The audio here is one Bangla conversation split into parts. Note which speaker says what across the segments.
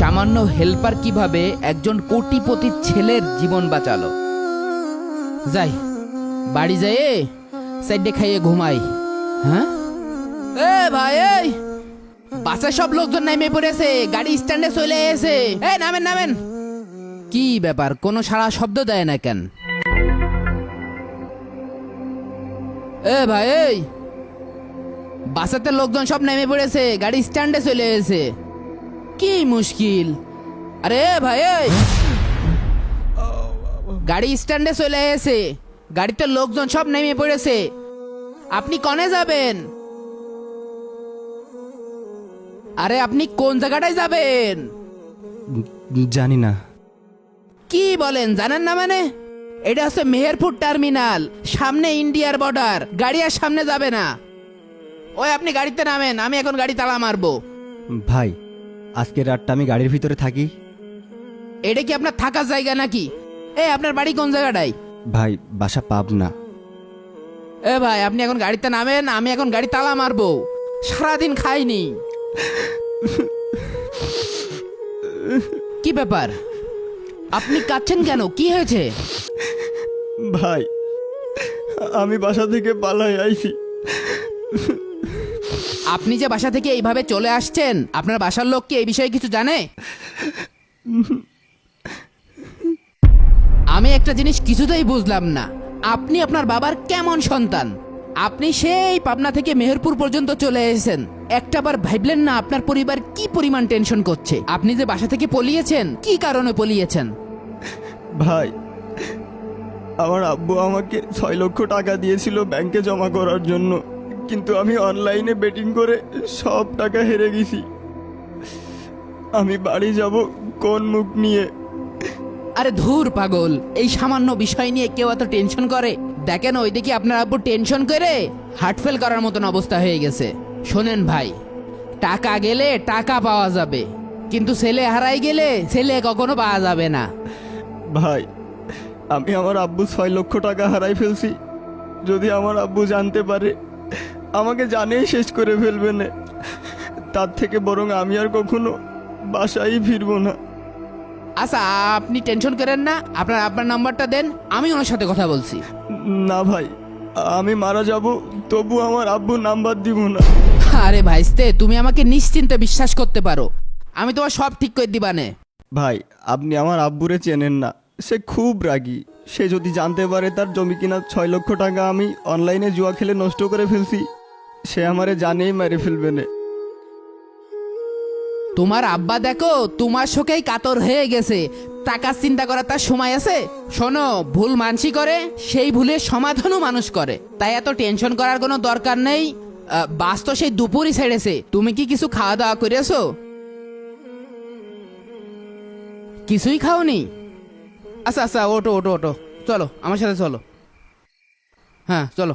Speaker 1: সামান্য হেল্পার কিভাবে একজন কোটিপতির ছেলের জীবন বাঁচালো। যাই বাড়ি যাই, সাইডে খাইয়ে ঘুমাই। হ্যাঁ এ ভাই, এই বাসে সব লোকজন নেমে পড়েছে, গাড়ি স্ট্যান্ডে চলে এসে। এই নামেন নামেন। কি ব্যাপার, কোনো সারা শব্দ দেয় না কেন? এ ভাই, এই বাসাতে লোকজন সব নেমে পড়েছে, গাড়ি স্ট্যান্ডে চলে এসে। কি মুশকিল? আরে ভাই, এই গাড়ি স্ট্যান্ডে চলে এসে, গাড়িতে লোকজন সব নেমে পড়েছে, আপনি কনে যাবেন? আরে আপনি কোন জায়গাটায় যাবেন?
Speaker 2: জানি না।
Speaker 1: কি বলেন, জানেন না মানে? এটা হচ্ছে মেহেরপুর টার্মিনাল, সামনে ইন্ডিয়ার বর্ডার, গাড়ি আর সামনে যাবে না। ওই আপনি গাড়িতে নামেন, আমি এখন গাড়ি তালা মারবো।
Speaker 2: ভাই, আজকের রাতটা আমি গাড়ির ভিতরে থাকি।
Speaker 1: এটা কি আপনার থাকার জায়গা নাকি? এই আপনার বাড়ি কোন জায়গাটায়?
Speaker 2: ভাই, বাসা পাবনা।
Speaker 1: এ ভাই, আপনি এখন গাড়িতে নামেন, আমি এখন গাড়ি তালা মারবো। সারাদিন খাইনি। কি ব্যাপার, আপনি কাঁদছেন কেন? কি হয়েছে?
Speaker 2: ভাই, আমি বাসা থেকে পালাই আইছি।
Speaker 1: আপনি যে বাসা থেকে এইভাবে চলে আসছেন, আপনার বাসার লোক কি এই বিষয়ে কিছু জানে? আমি একটা জিনিস কিছুতেই বুঝলাম না, আপনি আপনার বাবার কেমন সন্তান? আপনি সেই পাবনা থেকে মেহেরপুর পর্যন্ত চলে এসেছেন, একটাবার ভাবলেন না আপনার পরিবার কি পরিমাণ টেনশন করছে? আপনি যে বাসা থেকে পলিয়েছেন, কি কারণে পলিয়েছেন?
Speaker 2: ভাই, আমার আব্বু আমাকে 6 লক্ষ টাকা দিয়েছিল ব্যাংকে জমা করার জন্য, কিন্তু আমি অনলাইনে বেটিং করে সব টাকা হেরে গেছি। আমি বাড়ি যাব কোন মুখ নিয়ে?
Speaker 1: আরে ধুর পাগল, এই সামান্য বিষয় নিয়ে কেউ এত টেনশন করে? দেখেন ওইদিকে আপনার আব্বু টেনশন করে হার্ট ফেল করার মতন অবস্থা হয়ে গেছে। শোনেন ভাই, টাকা গেলে টাকা পাওয়া যাবে, কিন্তু ছেলে হারাই গেলে ছেলে কখনো পাওয়া যাবে না।
Speaker 2: ভাই, আমি আমার আব্বু 6 লক্ষ টাকা হারাই ফেলছি। যদি আমার আব্বু জানতে পারে, আমাকে জানেই শেষ করে ফেলবে না। তার থেকে বরং আমি আর কখনো বাসায় ফিরবো না।
Speaker 1: আচ্ছা, আপনি টেনশন করেন না, আপনার আব্বার নাম্বারটা দেন, আমি ওনার সাথে কথা বলছি।
Speaker 2: না ভাই, আমি মারা যাব তবু আমার আব্বুর নাম্বার দিব না।
Speaker 1: আরে ভাইস্তে, তুমি আমাকে নিশ্চিন্তে বিশ্বাস করতে পারো, আমি তোমার সব ঠিক করে দিবানে।
Speaker 2: ভাই, আপনি আমার আব্বুরে চেনেন না, সে খুব রাগী। সে যদি জানতে পারে তার জমি কিনা 6 লক্ষ টাকা আমি অনলাইনে জুয়া খেলে নষ্ট করে ফেলছি, সে আমারে জানেই মেরে ফেলবে না।
Speaker 1: তোমার আব্বা দেখো তোমার শোকেই কাতর হয়ে গেছে, টাকার চিন্তা করার তার সময় আছে? শোনো, ভুল মানসি করে, সেই ভুলের সমাধানও মানুষ করে, তাই এত টেনশন করার কোনো দরকার নেই। বাস তো সেই দুপুরই ছেড়েছে, তুমি কি কিছু খাওয়া দাওয়া করেছো? কিছুই খাওনি? আচ্ছা আচ্ছা, ওটো ওটো ওটো, চলো আমার সাথে চলো। হ্যাঁ চলো।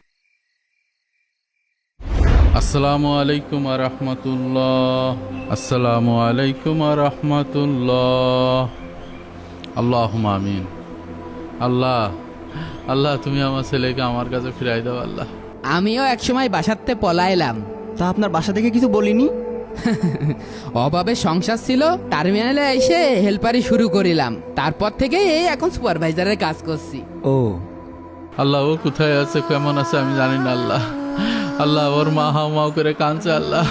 Speaker 3: আসসালামু আলাইকুম রহমতুল্লাহ। আসসালামু আলাইকুম রহমতুল্লাহ। আল্লাহুম্মা আমিন। আল্লাহ, আল্লাহ তুমি আমার ছেলেকে আমার কাছে ফিরাই দাও আল্লাহ।
Speaker 1: আমিও একসময় বাসাতে পলাইলাম,
Speaker 2: তা আপনার বাসা থেকে কিছু বলিনি?
Speaker 1: অভাবে সংসার ছিল, টার্মিনালে এসে হেল্পারি শুরু করিলাম, তারপর থেকে এই এখন সুপারভাইজারের কাজ করছি।
Speaker 2: ও
Speaker 3: আল্লাহ, ও কোথায় আছে, কেমন আছে আমি জানি না আল্লাহ। আল্লাহ, ওর মা হাও মাও করে কাঁদছে আল্লাহ।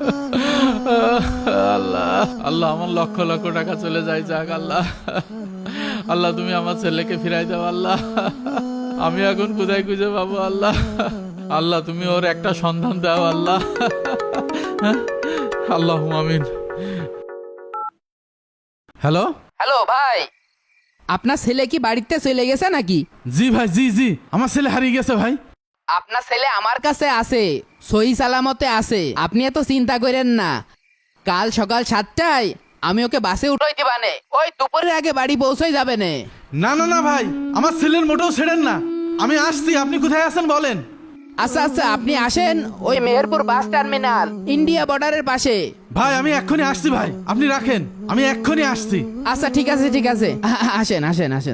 Speaker 3: আল্লাহ, আল্লাহ আমার লক্ষ লক্ষ টাকা চলে যায় যাক আল্লাহ। আল্লাহ তুমি আমার ছেলেকে ফিরাই দাও আল্লাহ। আমি এখন কোথায় খুঁজে পাবো আল্লাহ? আল্লাহ তুমি ওর একটা সন্ধান দাও আল্লাহ। আল্লাহ আমিন। হ্যালো
Speaker 1: হ্যালো ভাই, আপনার ছেলে কি বাড়িতে চলে গেছে নাকি?
Speaker 3: জি ভাই, জি জি, আমার ছেলে হারিয়ে গেছে ভাই।
Speaker 1: আপনার ছেলে আমার কাছে আছে, সহি সালামতে আছে, আপনি এত চিন্তা করেন না। কাল সকাল 7টায় আমি ওকে বাসে উঠাই দিবানে, ওই দুপুরের আগে বাড়ি পৌঁছাই যাবে নে।
Speaker 4: না না না ভাই, আমার ছেলের মোটেও ছেড়েন না, আমি আসছি। আপনি কোথায় আছেন বলেন?
Speaker 1: আচ্ছা আচ্ছা, আপনি আসেন ওই মেহেরপুর বাস টার্মিনাল, ইন্ডিয়া বর্ডারের পাশে।
Speaker 4: ভাই আমি এক্ষুনি আসছি ভাই, আপনি রাখেন, আমি এক্ষুনি আসছি।
Speaker 1: আচ্ছা ঠিক আছে ঠিক আছে, আসেন আসেন আসেন।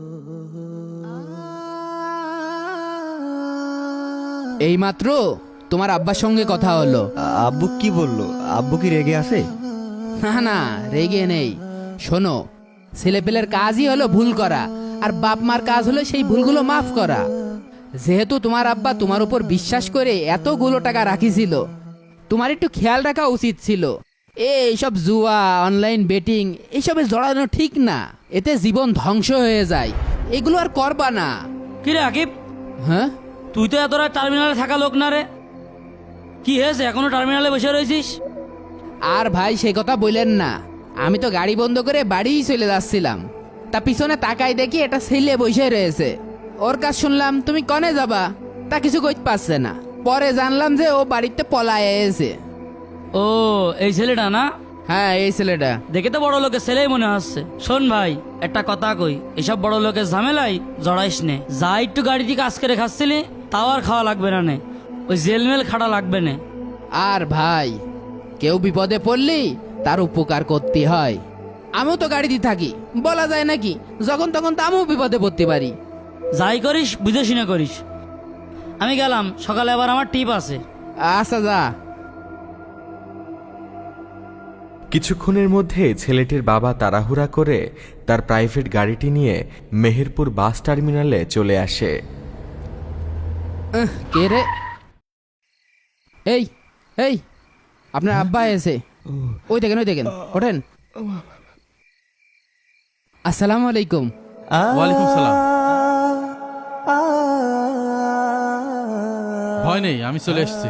Speaker 1: এইমাত্র তোমার আব্বার সঙ্গে কথা হলো।
Speaker 2: আব্বু কি বললো? আব্বু কি রেগে আছে?
Speaker 1: না না, রেগে নেই। শোনো, ছেলেপেলের কাজই হলো ভুল করা, আর বাপ মার কাজ হলো সেই ভুলগুলো মাফ করা। যেহেতু তোমার আব্বা তোমার উপর বিশ্বাস করে এতগুলো টাকা রাখিছিল, তোমার একটু খেয়াল রাখা উচিত ছিল। এইসব জুয়া, অনলাইন বেটিং এইসবে জড়ানো ঠিক না, এতে জীবন ধ্বংস হয়ে যায়। এগুলো আর করবা না।
Speaker 5: কি রে আকিব,
Speaker 1: হ্যাঁ,
Speaker 5: তুই তো এত রাত টার্মিনালে থাকা লোক না রে, কি হয়েছে এখনো টার্মিনালে বসে রয়েছিস?
Speaker 1: আর ভাই সে কথা বললেন না, আমি তো গাড়ি বন্ধ করে বাড়িই চলে যাচ্ছিলাম, তা পিছনে তাকাই দেখি এটা ছেলে বসে রয়েছে। ওর কাজ শুনলাম তুমি কনে যাবা, তা কিছু কইতে পারছে না। পরে জানলাম যে ও বাড়িতে পলায় এসে।
Speaker 5: ও, এই ছেলেটা না?
Speaker 1: হ্যাঁ, এই ছেলেটা।
Speaker 5: দেখে তো বড় লোকের ছেলেই মনে হচ্ছে। শোন ভাই, একটা কথা কই, এসব বড় লোকের ঝামেলাই জড়াইস নে। যা একটু গাড়িতে কাজ করে খাচ্ছিলি তাও আর খাওয়া লাগবে না নে, ওই জেলমেল খাটা লাগবে না।
Speaker 1: আর ভাই, কেউ বিপদে পড়লি তার উপকার করতে হয়। আমিও তো গাড়িতে থাকি, বলা যায় নাকি যখন তখন তো আমিও বিপদে পড়তে পারি।
Speaker 5: যাই করিস বুঝে শুনে করিস। আমি গেলাম, সকালে আবার আমার টিপ আছে।
Speaker 1: আচ্ছা যা।
Speaker 6: কিছুক্ষণের মধ্যে ছেলেটির বাবা তাড়াহুড়া করে তার প্রাইভেট গাড়িটি নিয়ে মেহেরপুর বাস টার্মিনালে চলে আসে।
Speaker 1: কে রে? এই এই, আপনার আব্বা এসে। ওই দেখেন, ওই দেখেন, ওঠেন। আসসালামু আলাইকুম।
Speaker 3: ওয়ালাইকুম সালাম। ভয় নেই, আমি চলে এসেছি।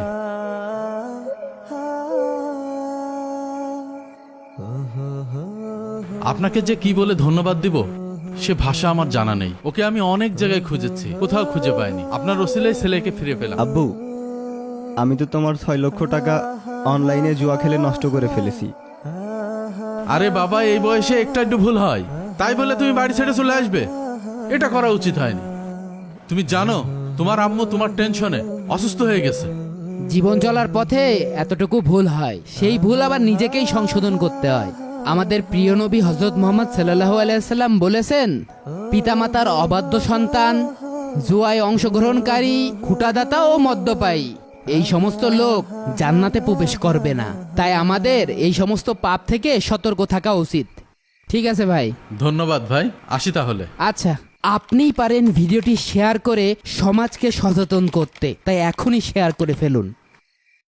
Speaker 3: আপনাকে যে কি বলে ধন্যবাদ দিব সে ভাষা আমার জানা নেই। ওকে আমি অনেক জায়গায় খুঁজেছি, কোথাও খুঁজে পাইনি। আপনার ওসিলায় ছেলেকে ফিরে পেলাম।
Speaker 2: আব্বু, আমি তো তোমার 6 লক্ষ টাকা অনলাইনে জুয়া খেলে নষ্ট করে ফেলেছি।
Speaker 3: আরে বাবা, এই বয়সে একটু ভুল হয়, তাই বলে তুমি বাড়ি ছেড়ে চলে আসবে? এটা করা উচিত হয়নি। তুমি জানো তোমার আম্মু তোমার টেনশনে অসুস্থ হয়ে গেছে।
Speaker 1: জীবন চলার পথে এতটুকু ভুল হয়, সেই ভুল আবার নিজেকেই সংশোধন করতে হয়। আমাদের প্রিয় নবী হযরত মুহাম্মদ সাল্লাল্লাহু আলাইহি সাল্লাম বলেছেন, পিতামাতার অবাধ্য সন্তান, জুয়ায় অংশগ্রহণকারী, খুঁটাদাতা ও মদ্যপায়ী এই সমস্ত লোক জান্নাতে প্রবেশ করবে না। তাই আমাদের এই সমস্ত পাপ থেকে সতর্ক থাকা উচিত। ঠিক আছে ভাই।
Speaker 3: ধন্যবাদ ভাই, আসি তাহলে।
Speaker 1: আচ্ছা, আপনিই পারেন ভিডিওটি শেয়ার করে সমাজকে সচেতন করতে, তাই এখনই শেয়ার করে ফেলুন।